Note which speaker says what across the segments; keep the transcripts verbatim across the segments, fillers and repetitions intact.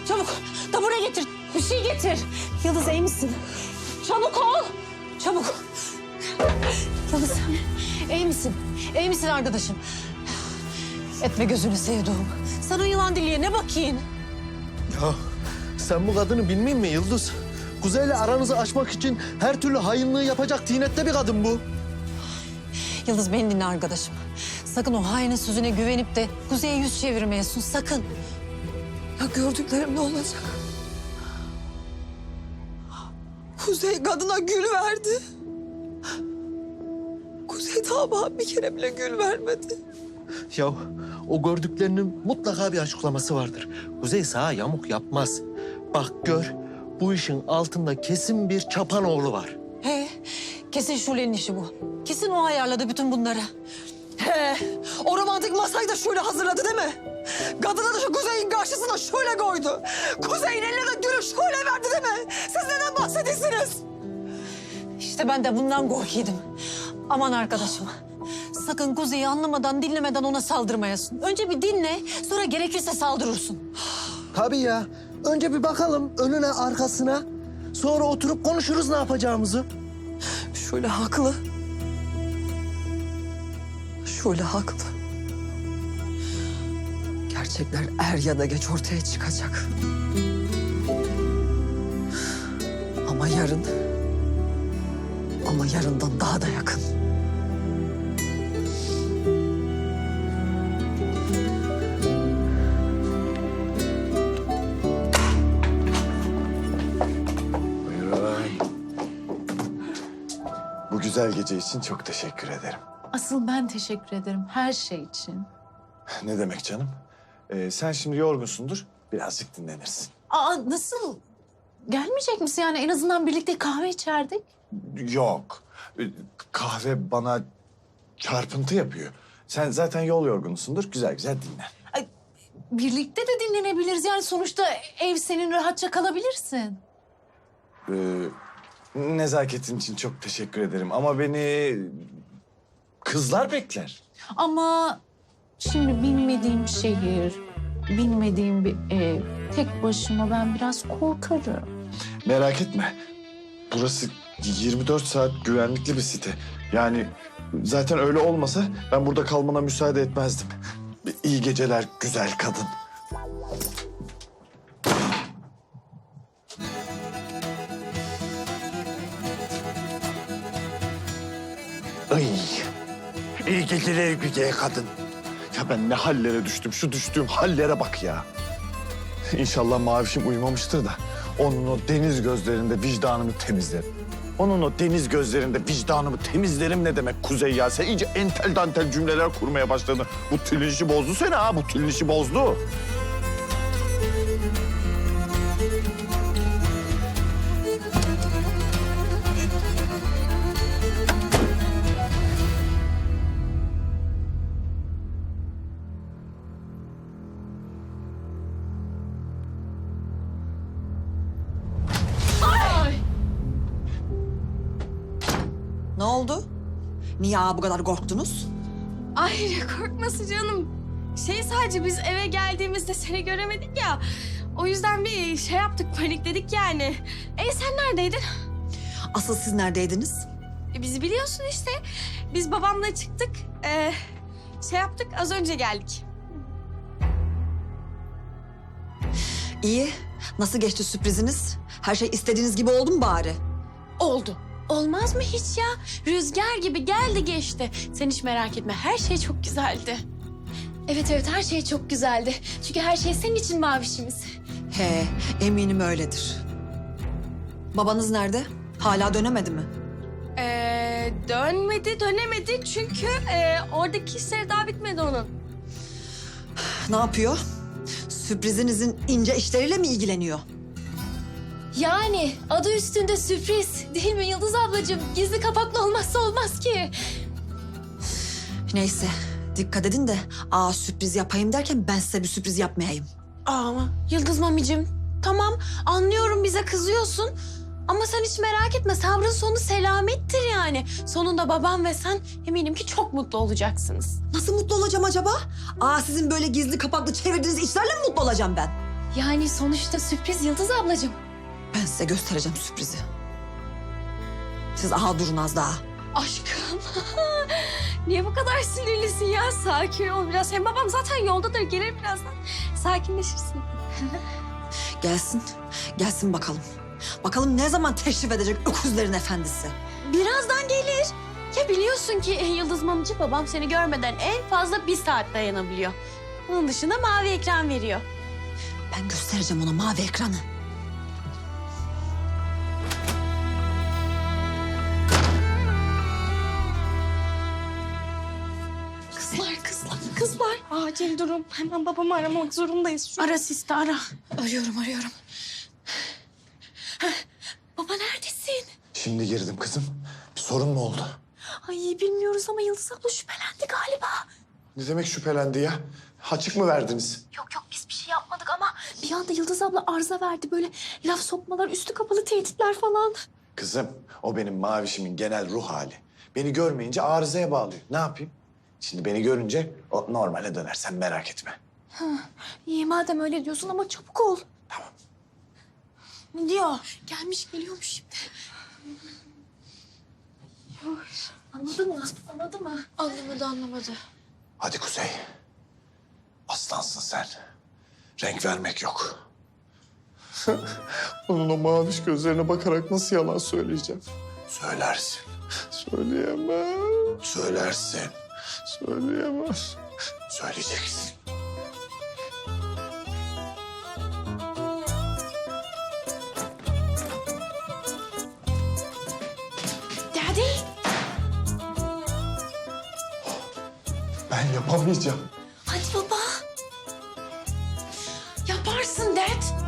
Speaker 1: Çabuk tabure getir. Bir şey getir. Yıldız iyi misin? Çabuk ol. Çabuk. Yıldız iyi misin? İyi misin arkadaşım? Etme gözünü sevduğum. Sen o yılan diliye ne bakayım?
Speaker 2: Ya sen bu kadını bilmiyor musun Yıldız? Kuzey'le aranızı açmak için her türlü hainliği yapacak tinette bir kadın bu.
Speaker 1: Yıldız beni dinle arkadaşım. Sakın o hainin sözüne güvenip de Kuzey'e yüz çevirmeyesin sakın.
Speaker 3: Ya gördüklerim ne olacak? Kuzey kadına gül verdi. Kuzey daha bana bir kere bile gül vermedi.
Speaker 2: Ya o gördüklerinin mutlaka bir açıklaması vardır. Kuzey sağa yamuk yapmaz. Bak gör, bu işin altında kesin bir çapanoğlu var.
Speaker 1: He, kesin Şule'nin işi bu. Kesin o ayarladı bütün bunları.
Speaker 3: He, o romantik masayı da şöyle hazırladı değil mi? Kadına da şu Kuzey'in karşısına şöyle koydu. Kuzey'in eline de gülü şöyle verdi değil mi? Siz neden bahsediyorsunuz?
Speaker 1: İşte ben de bundan korkuyordum. Aman arkadaşım. Sakın Kuzey'i anlamadan, dinlemeden ona saldırmayasın. Önce bir dinle, sonra gerekirse saldırırsın.
Speaker 2: Tabii ya. Önce bir bakalım önüne arkasına. Sonra oturup konuşuruz ne yapacağımızı.
Speaker 3: Şöyle haklı. Şöyle haklı. Gerçekler er ya da geç ortaya çıkacak. Ama yarın... Ama yarından daha da yakın.
Speaker 4: Buyurun. Bu güzel gece için çok teşekkür ederim.
Speaker 5: Asıl ben teşekkür ederim her şey için.
Speaker 4: Ne demek canım? Ee, sen şimdi yorgunsundur, birazcık dinlenirsin.
Speaker 5: Aa nasıl? Gelmeyecek misin yani? En azından birlikte kahve içerdik.
Speaker 4: Yok, ee, kahve bana çarpıntı yapıyor. Sen zaten yol yorgunusundur, güzel güzel dinlen.
Speaker 5: Ay, birlikte de dinlenebiliriz. Yani sonuçta ev senin, rahatça kalabilirsin.
Speaker 4: Ee, nezaketin için çok teşekkür ederim ama beni kızlar bekler.
Speaker 5: Ama şimdi bilmediğim şehir, bilmediğim bir ev, tek başıma ben biraz korkarım.
Speaker 4: Merak etme, burası yirmi dört saat güvenlikli bir site. Yani zaten öyle olmasa ben burada kalmana müsaade etmezdim. İyi geceler güzel kadın. Ay, iyi geceler güzel kadın. Ya ben ne hallere düştüm, şu düştüğüm hallere bak ya. İnşallah Mavişim uyumamıştır da onun o deniz gözlerinde vicdanımı temizlerim. Onun o deniz gözlerinde vicdanımı temizlerim ne demek Kuzey ya? Sen iyice entel dantel cümleler kurmaya başladın. Bu tülün işi bozdu seni ha, bu tülün işi bozdu.
Speaker 3: Ne oldu? Niye bu kadar korktunuz?
Speaker 6: Ay ne korkması canım. Şey sadece biz eve geldiğimizde seni göremedik ya. O yüzden bir şey yaptık, panikledik yani. E sen neredeydin?
Speaker 3: Asıl siz neredeydiniz?
Speaker 6: E, bizi biliyorsun işte. Biz babamla çıktık. E, şey yaptık, az önce geldik.
Speaker 3: İyi. Nasıl geçti sürpriziniz? Her şey istediğiniz gibi oldu mu bari?
Speaker 6: Oldu. Olmaz mı hiç ya? Rüzgar gibi geldi geçti. Sen hiç merak etme, her şey çok güzeldi. Evet evet, her şey çok güzeldi. Çünkü her şey senin için Mavişimiz.
Speaker 3: He, eminim öyledir. Babanız nerede? Hala dönemedi mi?
Speaker 6: Ee, dönmedi, dönemedi çünkü e, oradaki işleri daha bitmedi onun.
Speaker 3: Ne yapıyor? Sürprizinizin ince işleriyle mi ilgileniyor?
Speaker 6: Yani adı üstünde sürpriz değil mi Yıldız ablacığım? Gizli kapaklı olmazsa olmaz ki.
Speaker 3: Neyse, dikkat edin de aa sürpriz yapayım derken ben size bir sürpriz yapmayayım.
Speaker 6: Ama Yıldız mamicim, tamam anlıyorum bize kızıyorsun. Ama sen hiç merak etme, sabrın sonu selamettir yani. Sonunda babam ve sen eminim ki çok mutlu olacaksınız.
Speaker 3: Nasıl mutlu olacağım acaba? Aa sizin böyle gizli kapaklı çevirdiğiniz işlerle mi mutlu olacağım ben?
Speaker 6: Yani sonuçta sürpriz Yıldız ablacığım.
Speaker 3: Ben size göstereceğim sürprizi. Siz aha durun az daha.
Speaker 6: Aşkım. Niye bu kadar sinirlisin ya? Sakin ol biraz. Hem babam zaten yoldadır. Gelir birazdan. Sakinleşirsin.
Speaker 3: Gelsin, gelsin bakalım. Bakalım ne zaman teşrif edecek öküzlerin efendisi.
Speaker 6: Birazdan gelir. Ya biliyorsun ki Yıldız Mamcı babam seni görmeden en fazla bir saat dayanabiliyor. Bunun dışında mavi ekran veriyor.
Speaker 3: Ben göstereceğim ona mavi ekranı.
Speaker 6: Kızlar, kızlar, kızlar. Acil durum. Hemen babamı aramak zorundayız şu an. Ara Siste, ara. Arıyorum, arıyorum. Heh, baba neredesin?
Speaker 4: Şimdi girdim kızım. Bir sorun mu oldu?
Speaker 6: Ay bilmiyoruz ama Yıldız abla şüphelendi galiba.
Speaker 4: Ne demek şüphelendi ya? Açık mı verdiniz?
Speaker 6: Yok yok biz bir şey yapmadık ama bir anda Yıldız abla arıza verdi. Böyle laf sokmalar, üstü kapalı tehditler falan.
Speaker 4: Kızım, o benim mavişimin genel ruh hali. Beni görmeyince arızaya bağlıyor. Ne yapayım? Şimdi beni görünce o normale döner. Sen merak etme.
Speaker 6: İyi madem öyle diyorsun ama çabuk ol.
Speaker 4: Tamam.
Speaker 6: Ne diyor? Gelmiş geliyormuş şimdi. Anladı mı? Anladı mı? Anlamadı anlamadı.
Speaker 4: Hadi Kuzey. Aslansın sen. Renk vermek yok. Onun o maviş gözlerine bakarak nasıl yalan söyleyeceğim? Söylersin. Söyleyemem. Söylersin. Söyleyemem. Söyleyeceksin.
Speaker 6: Daddy.
Speaker 4: Ben yapamayacağım.
Speaker 6: Hadi baba. Yaparsın Dad.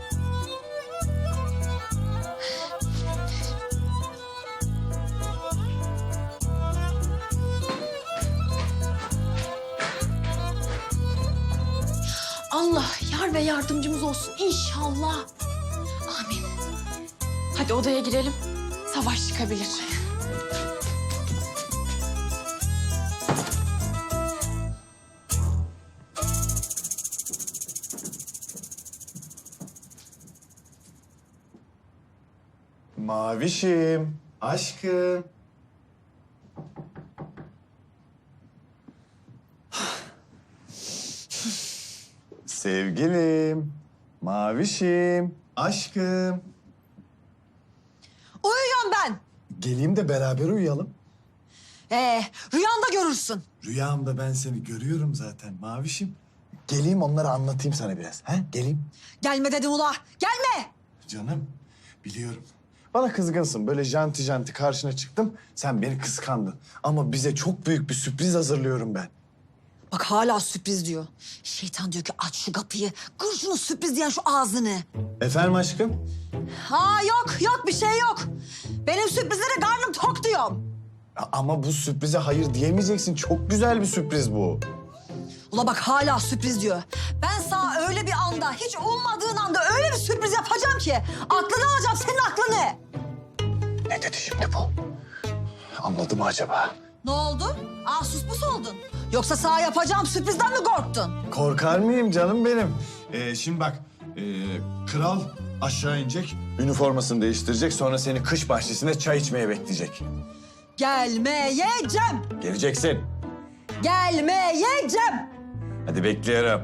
Speaker 6: Allah yar ve yardımcımız olsun inşallah. Amin. Hadi odaya girelim. Savaş çıkabilir.
Speaker 4: Mavişim, aşkım. Sevgilim, mavişim, aşkım.
Speaker 3: Uyuyorum ben.
Speaker 4: Geleyim de beraber uyuyalım.
Speaker 3: Ee, rüyanda görürsün.
Speaker 4: Rüyamda ben seni görüyorum zaten mavişim. Geleyim onları anlatayım sana biraz. Ha? Geleyim.
Speaker 3: Gelme dedim ula, gelme.
Speaker 4: Canım, biliyorum. Bana kızgınsın. Böyle janti janti karşına çıktım. Sen beni kıskandın. Ama bize çok büyük bir sürpriz hazırlıyorum ben.
Speaker 3: Bak hala sürpriz diyor. Şeytan diyor ki aç şu kapıyı. Kır şunu sürpriz diyen şu ağzını.
Speaker 4: Efendim aşkım?
Speaker 3: Ha yok yok bir şey yok. Benim sürprizlere karnım tok diyorum.
Speaker 4: A- Ama bu sürprize hayır diyemeyeceksin. Çok güzel bir sürpriz bu.
Speaker 3: Ula bak hala sürpriz diyor. Ben sana öyle bir anda, hiç ummadığın anda öyle bir sürpriz yapacağım ki... ...aklını alacağım, senin aklını.
Speaker 4: Ne dedi şimdi bu? Anladı mı acaba?
Speaker 3: Ne oldu? Aa sus pus oldun. Yoksa sana yapacağım sürprizden mi korktun?
Speaker 4: Korkar mıyım canım benim? Ee, şimdi bak, ee, kral aşağı inecek, üniformasını değiştirecek. Sonra seni kış bahçesinde çay içmeye bekleyecek.
Speaker 3: Gelmeyeceğim.
Speaker 4: Geleceksin.
Speaker 3: Gelmeyeceğim.
Speaker 4: Hadi bekliyorum.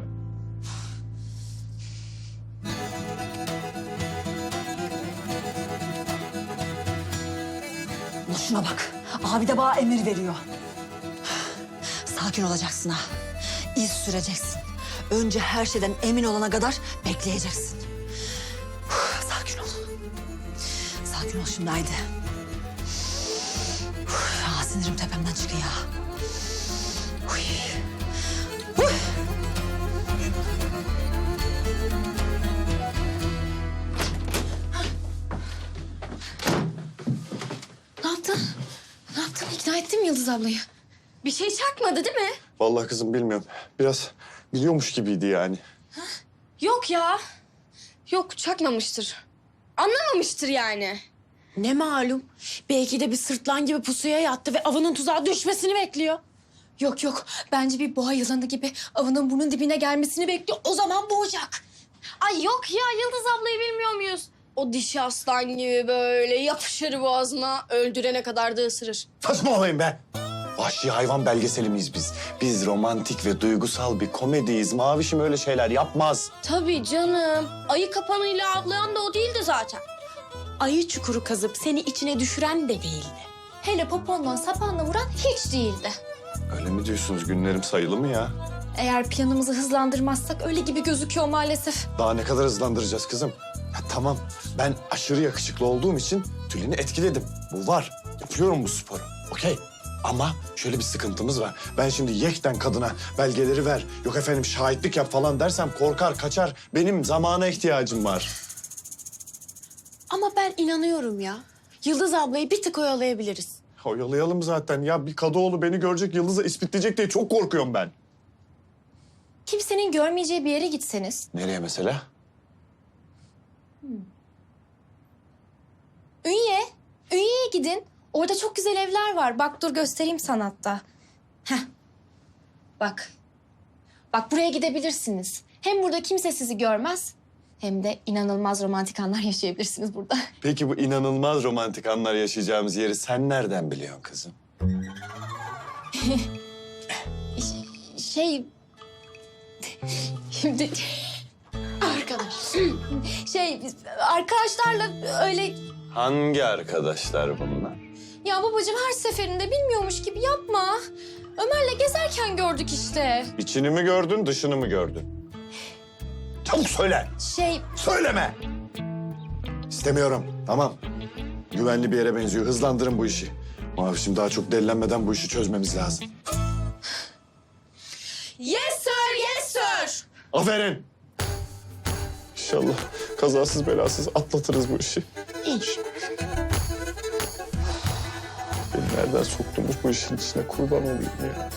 Speaker 3: Ula şuna bak. Abi de bana emir veriyor. Sakin olacaksın ha. İz süreceksin. Önce her şeyden emin olana kadar bekleyeceksin. Sakin ol. Sakin ol şimdi haydi. Aa, sinirim tepemden çıkıyor. Uy. Uy.
Speaker 6: Ne yaptın? Ne yaptın? İkna ettin mi Yıldız ablayı? Bir şey çakmadı değil mi?
Speaker 4: Vallahi kızım bilmiyorum. Biraz biliyormuş gibiydi yani.
Speaker 7: Yok ya. Yok çakmamıştır. Anlamamıştır yani.
Speaker 6: Ne malum? Belki de bir sırtlan gibi pusuya yattı ve avının tuzağa düşmesini bekliyor. Yok yok. Bence bir boğa yılanı gibi avının burnun dibine gelmesini bekliyor. O zaman boğacak.
Speaker 7: Ay yok ya, Yıldız ablayı bilmiyor muyuz? O dişi aslan gibi böyle yapışır boğazına, öldürene kadar da ısırır.
Speaker 4: Saçmalamayın be. Vahşi hayvan belgeseli miyiz biz? Biz romantik ve duygusal bir komediyiz. Mavişim öyle şeyler yapmaz.
Speaker 7: Tabii canım. Ayı kapanıyla avlayan da o değildi zaten. Ayı çukuru kazıp seni içine düşüren de değildi. Hele popondan sapanla vuran hiç değildi.
Speaker 4: Öyle mi diyorsunuz? Günlerim sayılı mı ya?
Speaker 7: Eğer planımızı hızlandırmazsak öyle gibi gözüküyor maalesef.
Speaker 4: Daha ne kadar hızlandıracağız kızım? Ya tamam, ben aşırı yakışıklı olduğum için Tülin'i etkiledim. Bu var. Yapıyorum bu sporu. Okey. Ama şöyle bir sıkıntımız var. Ben şimdi yekten kadına belgeleri ver, yok efendim şahitlik yap falan dersem korkar, kaçar. Benim zamana ihtiyacım var.
Speaker 7: Ama ben inanıyorum ya. Yıldız ablayı bir tık oyalayabiliriz.
Speaker 4: Oyalayalım zaten. Ya bir Kadıoğlu beni görecek, Yıldız'a ispitleyecek diye çok korkuyorum ben.
Speaker 7: Kimsenin görmeyeceği bir yere gitseniz.
Speaker 4: Nereye mesela?
Speaker 7: Ünye. Ünye'ye gidin. Orada çok güzel evler var. Bak dur göstereyim sana hatta. Heh. Bak. Bak buraya gidebilirsiniz. Hem burada kimse sizi görmez. Hem de inanılmaz romantik anlar yaşayabilirsiniz burada.
Speaker 4: Peki bu inanılmaz romantik anlar yaşayacağımız yeri sen nereden biliyorsun kızım?
Speaker 7: Şey... Şimdi... Arkadaş. Şey, arkadaşlarla öyle...
Speaker 4: Hangi arkadaşlar bunlar?
Speaker 7: Ya babacığım her seferinde bilmiyormuş gibi yapma. Ömer'le gezerken gördük işte.
Speaker 4: İçini mi gördün, dışını mı gördün? Çabuk söyle.
Speaker 7: Şey,
Speaker 4: Söyleme. İstemiyorum. Tamam. Güvenli bir yere benziyor. Hızlandırın bu işi. Mavişim daha çok delilenmeden bu işi çözmemiz lazım.
Speaker 7: yes sir, yes sir.
Speaker 4: Aferin. İnşallah kazasız belasız atlatırız bu işi.
Speaker 7: İnşallah.
Speaker 4: Beni nereden soktunuz bu işin içine kurban olayım ya.